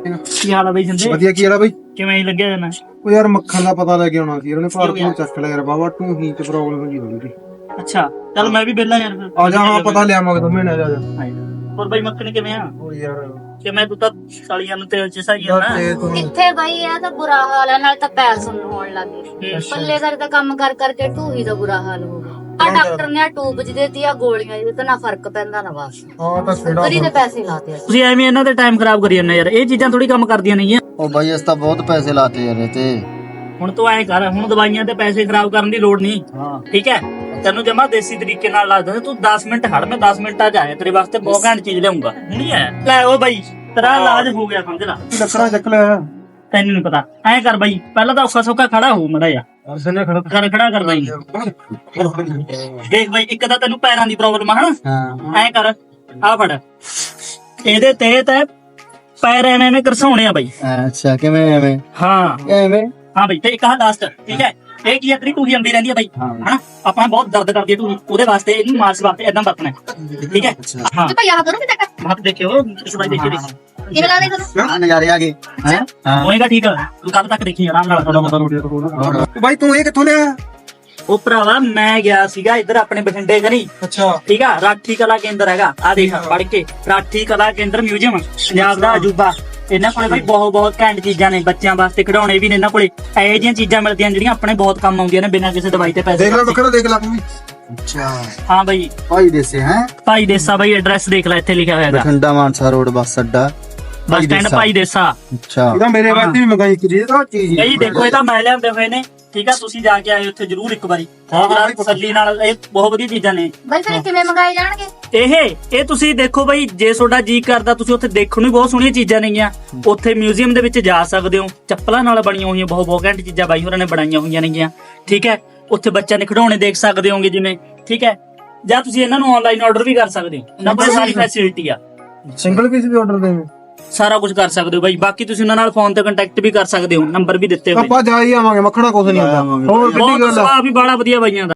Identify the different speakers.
Speaker 1: ਕੀ ਹਾਲ ਆ ਬਈ ਜਿੰਦੇ?
Speaker 2: ਵਧੀਆ। ਕੀ ਹਾਲ ਆ ਬਈ?
Speaker 1: ਕਿਵੇਂ ਲੱਗਿਆ ਜਾਣਾ?
Speaker 2: ਉਹ ਯਾਰ ਮੱਖਣ ਦਾ ਪਤਾ ਲੈ ਕੇ ਆਉਣਾ ਸੀ, ਉਹਨੇ ਭਾਰ ਤੋਂ ਚੱਕ ਲਿਆ ਯਾਰ ਬਾਬਾ, ਢੂਹੀ ਚ ਪ੍ਰੋਬਲਮ ਹੋਈ ਹੋਈ।
Speaker 1: ਅੱਛਾ ਚੱਲ ਮੈਂ ਵੀ ਵਿਹਲਾ ਯਾਰ ਫਿਰ
Speaker 2: ਆ ਜਾ। ਹਾਂ ਪਤਾ ਲਿਆਵਾਂਗੇ 2 ਮਹੀਨੇ। ਆ ਜਾ।
Speaker 1: ਹੋਰ ਬਈ ਮੱਖਣ ਕਿਵੇਂ ਆ?
Speaker 2: ਉਹ ਯਾਰ
Speaker 1: ਕਿਵੇਂ ਤੂੰ ਤਾਂ ਸਾਲੀਆਂ ਨੂੰ ਤੇਲ ਚ ਸਹੀ ਆ ਨਾ?
Speaker 3: ਕਿੱਥੇ ਬਈ ਇਹ ਤਾਂ ਬੁਰਾ ਹਾਲ ਹੈ, ਨਾਲ ਤਾਂ ਪੈਰ ਸੁੰਨ ਹੋਣ ਲੱਗੇ। ਪੱਲੇ ਦਾ ਤਾਂ ਕੰਮ ਕਰ ਕਰਕੇ ਢੂਹੀ ਦਾ ਬੁਰਾ ਹਾਲ ਹੋ ਗਿਆ। ਆ ਡਾਕਟਰ ਨੇ ਆ ਟੂਬ ਚ ਦੇਤੀ, ਆ ਗੋਲੀਆਂ ਜਿਹਦੇ ਤਾਂ ਨਾ ਫਰਕ ਪੈਂਦਾ ਨਾ ਬਸ।
Speaker 2: ਹਾਂ ਤਾਂ ਛੇੜਾ
Speaker 3: ਕਰੀ ਦੇ ਪੈਸੇ ਲਾਤੇ।
Speaker 1: ਤੁਸੀਂ ਐਵੇਂ ਇਹਨਾਂ ਦੇ ਟਾਈਮ ਖਰਾਬ ਕਰੀ ਜਾਂਦੇ ਯਾਰ, ਇਹ ਚੀਜ਼ਾਂ ਥੋੜੀ ਕੰਮ ਕਰਦੀਆਂ ਨਹੀਂ ਆ।
Speaker 4: ਉਹ ਬਾਈ ਇਸ ਤਾਂ ਬਹੁਤ ਪੈਸੇ ਲਾਤੇ ਯਾਰ ਇਹ ਤੇ।
Speaker 1: ਹੁਣ ਤੂੰ ਐਂ ਕਰ, ਹੁਣ ਦਵਾਈਆਂ ਤੇ ਪੈਸੇ ਖਰਾਬ ਕਰਨ ਦੀ ਲੋੜ ਨਹੀਂ।
Speaker 4: ਹਾਂ
Speaker 1: ਠੀਕ ਹੈ, ਤੈਨੂੰ ਜਮਾ ਦੇਸੀ ਤਰੀਕੇ ਨਾਲ ਲਾ ਦਿੰਦਾ। ਤੂੰ 10 ਮਿੰਟ ਖੜ, ਮੈਂ 10 ਮਿੰਟਾਂ ਚ ਆਇਆ ਤੇਰੇ ਵਾਸਤੇ, ਬਹੁਤ ਘੈਂਟ ਚੀਜ਼ ਲਿਆਉਂਗਾ। ਹੁਣੀ ਆਇਆ ਲੈ। ਉਹ ਬਾਈ ਤੇਰਾ ਇਲਾਜ ਹੋ ਗਿਆ ਸਮਝ ਲਾ।
Speaker 2: ਲੱਕੜਾਂ ਚੱਕ ਲਿਆ।
Speaker 1: ਤੈਨੂੰ ਨਹੀਂ ਪਤਾ। ਐਂ ਕਰ ਬਾਈ, ਪਹਿਲਾਂ ਤਾਂ ਔਖਾ ਸੌਖਾ ਖੜਾ ਹੋ ਮੜਾ ਜਾ।
Speaker 2: ਅਰਸਨੇ ਖੜਾ
Speaker 1: ਖੜਾ ਕਰ ਬਾਈ। ਦੇਖ ਬਾਈ, ਇੱਕ ਤਾਂ ਤੈਨੂੰ ਪੈਰਾਂ ਦੀ ਪ੍ਰੋਬਲਮ ਆ ਹਨਾ।
Speaker 4: ਹਾਂ
Speaker 1: ਐਂ ਕਰ, ਆ ਫੜ, ਇਹਦੇ ਤੇ ਪੈਰ ਐਵੇਂ ਘਰਸਾਉਣੇ ਆ ਬਾਈ।
Speaker 4: ਅੱਛਾ ਕਿਵੇਂ ਐਵੇਂ?
Speaker 1: ਹਾਂ
Speaker 4: ਐਵੇਂ
Speaker 1: ਹਾਂ ਬਾਈ, ਤੇ ਇੱਕ ਆਹ ਲਾਸਟ। ਠੀਕ ਹੈ, ਇਹ ਕੀ ਹੈ, ਤੇਰੀ ਟੂਹੀ ਆਉਂਦੀ ਰਹਿੰਦੀ ਹੈ ਬਾਈ ਹਨਾ। ਆਪਾਂ ਬਹੁਤ ਦਰਦ ਕਰਦੀ ਹੈ ਟੂਹੀ, ਉਹਦੇ ਵਾਸਤੇ ਇਹਨੂੰ ਮਾਸ ਵਾਸਤੇ ਏਦਾਂ ਵਰਤਣਾ ਹੈ। ਠੀਕ ਹੈ ਹਾਂ।
Speaker 3: ਤੇ ਭਈ ਆਹ ਕਰੋ ਕਿ ਤੱਕ
Speaker 1: ਹੱਥ ਦੇਖਿਓ, ਇਸ ਬਾਈ ਦੇਖੀ ਦੇਖ
Speaker 3: ਕਿਵੇਂ ਲਾ ਦੇ ਕਰੋ।
Speaker 4: ਆ ਨਜ਼ਾਰੇ ਆ ਗਏ ਹੈ।
Speaker 1: ਹੋਏਗਾ ਠੀਕ ਆ। ਤੂੰ ਕੱਲ ਤੱਕ ਦੇਖੀ ਆਰਾਮ ਨਾਲ।
Speaker 2: ਥੋੜਾ ਪਤਾ ਰੋਟੀ ਤੋਂ ਬਾਈ ਤੂੰ ਇਹ ਕਿੱਥੋਂ ਲਿਆ?
Speaker 1: ਉਹ ਭਰਾਵਾ ਮੈਂ ਗਿਆ ਸੀਗਾ ਇੱਧਰ ਆਪਣੇ ਬਠਿੰਡੇ ਕਨੀ।
Speaker 2: ਅੱਛਾ
Speaker 1: ਠੀਕ ਆ, ਰਾਠੀ ਕਲਾ ਕੇਂਦਰ ਹੈਗਾ, ਆ ਦੇਖ ਪੜ ਕੇ, ਰਾਠੀ ਕਲਾ ਕੇਂਦਰ ਮਿਊਜ਼ੀਅਮ, ਪੰਜਾਬ ਦਾ ਅਜੂਬਾ। ਇਹਨਾਂ ਕੋਲੇ ਬਈ ਬਹੁਤ ਘੈਂਟ ਚੀਜ਼ਾਂ ਨੇ, ਬੱਚਿਆਂ ਵਾਸਤੇ ਖਿਡੌਣੇ ਵੀ ਨੇ ਇਹਨਾਂ ਕੋਲੇ। ਇਹੋ ਜਿਹੀਆਂ ਚੀਜ਼ਾਂ ਮਿਲਦੀਆਂ ਜਿਹੜੀਆਂ ਆਪਣੇ ਬਹੁਤ ਕੰਮ ਆਉਂਦੀਆਂ ਨੇ, ਬਿਨਾਂ ਕਿਸੇ ਦਵਾਈ ਤੇ ਪੈਸੇ
Speaker 2: ਦੇਖ ਲੈ ਬੱਕਰਾ, ਦੇਖ ਲੈ ਤੂੰ ਵੀ।
Speaker 4: ਅੱਛਾ
Speaker 1: ਹਾਂ ਬਈ,
Speaker 4: ਭਾਈ ਦੇਸੇ ਹੈ।
Speaker 1: ਭਾਈ ਦੇਸਾ ਬਈ, ਐਡਰੈਸ ਦੇਖ ਲੈ, ਇੱਥੇ ਲਿਖਿਆ ਹੋਇਆ ਹੈਗਾ,
Speaker 4: ਬਠਿੰਡਾ ਮਾਨਸਾ ਰੋਡ ਬੱਸ ਅੱਡਾ
Speaker 1: ਬੱਸ ਸਟੈਂਡ ਭਾਈ ਦੇਸਾ।
Speaker 4: ਅੱਛਾ
Speaker 2: ਇਹਦਾ ਮੇਰੇ ਵਾਸਤੇ ਵੀ ਮੰਗਾਈ ਕਿ ਇਹ ਤਾਂ ਚੀਜ਼
Speaker 1: ਇਹ ਦੇਖੋ, ਇਹ ਤਾਂ ਮੈਂ ਲਿਆਂਦੇ ਹੋਏ ਨੇ। ਠੀਕ ਆ, ਤੁਸੀਂ ਜਾ ਕੇ ਆਏ ਉੱਥੇ ਜਰੂਰ ਇੱਕ ਵਾਰੀ ਤਸੱਲੀ ਨਾਲ। ਇਹ ਬਹੁਤ ਵਧੀਆ ਚੀਜ਼ਾਂ ਨੇ।
Speaker 3: ਬਈ ਫਿਰ ਕਿਵੇਂ ਮੰਗਾਏ ਜਾਣਗੇ?
Speaker 1: ਇਹ ਤੁਸੀਂ ਦੇਖੋ ਬਈ, ਜੇ ਤੁਹਾਡਾ ਜੀ ਕਰਦਾ ਤੁਸੀਂ ਉੱਥੇ ਦੇਖਣ ਨੂੰ ਬਹੁਤ ਸੋਹਣੀਆਂ ਚੀਜ਼ਾਂ ਨੇਗੀਆਂ। ਉੱਥੇ ਮਿਊਜ਼ੀਅਮ ਦੇ ਵਿੱਚ ਜਾ ਸਕਦੇ ਹੋ, ਚੱਪਲਾਂ ਨਾਲ ਬਣੀਆਂ ਹੋਈਆਂ ਬਹੁਤ ਘੈਂਟ ਚੀਜ਼ਾਂ ਬਾਈ ਹੋਰਾਂ ਨੇ ਬਣਾਈਆਂ ਹੋਈਆਂ ਨੇਗੀਆਂ। ਠੀਕ ਹੈ, ਉੱਥੇ ਬੱਚਿਆਂ ਦੇ ਖਿਡੌਣੇ ਦੇਖ ਸਕਦੇ ਹੋਗੇ ਜਿਵੇਂ। ਠੀਕ ਹੈ, ਜਾਂ ਤੁਸੀਂ ਇਹਨਾਂ ਨੂੰ ਆਨਲਾਈਨ ਆਰਡਰ ਵੀ ਕਰ ਸਕਦੇ ਹੋ, ਉਹਨਾਂ ਕੋਲ ਸਾਰੀ ਫੈਸਿਲਿਟੀ ਆ।
Speaker 2: ਸਿੰਗਲ ਪੀਸ ਵੀ ਆਰਡਰ ਦੇਵੇਂ?
Speaker 1: ਸਾਰਾ ਕੁਝ ਕਰ ਸਕਦੇ ਹੋ ਬਾਈ। ਬਾਕੀ ਤੁਸੀਂ ਉਹਨਾਂ ਨਾਲ ਫੋਨ ਤੇ ਕੰਟੈਕਟ ਵੀ ਕਰ ਸਕਦੇ ਹੋ, ਨੰਬਰ ਵੀ ਦਿੱਤੇ ਹੋਏ।
Speaker 2: ਆਪਾਂ ਜਾ ਹੀ ਆਵਾਂਗੇ, ਮੱਖਣਾ ਕੁਛ ਨਹੀਂ ਆਉਂਦਾ। ਹੋਰ ਕਿੱਡੀ
Speaker 1: ਬਹੁਤ
Speaker 2: ਗੱਲ ਆ।
Speaker 1: ਸੁਭਾਅ ਵੀ ਬੜਾ ਵਧੀਆ ਬਾਈਆਂ ਦਾ।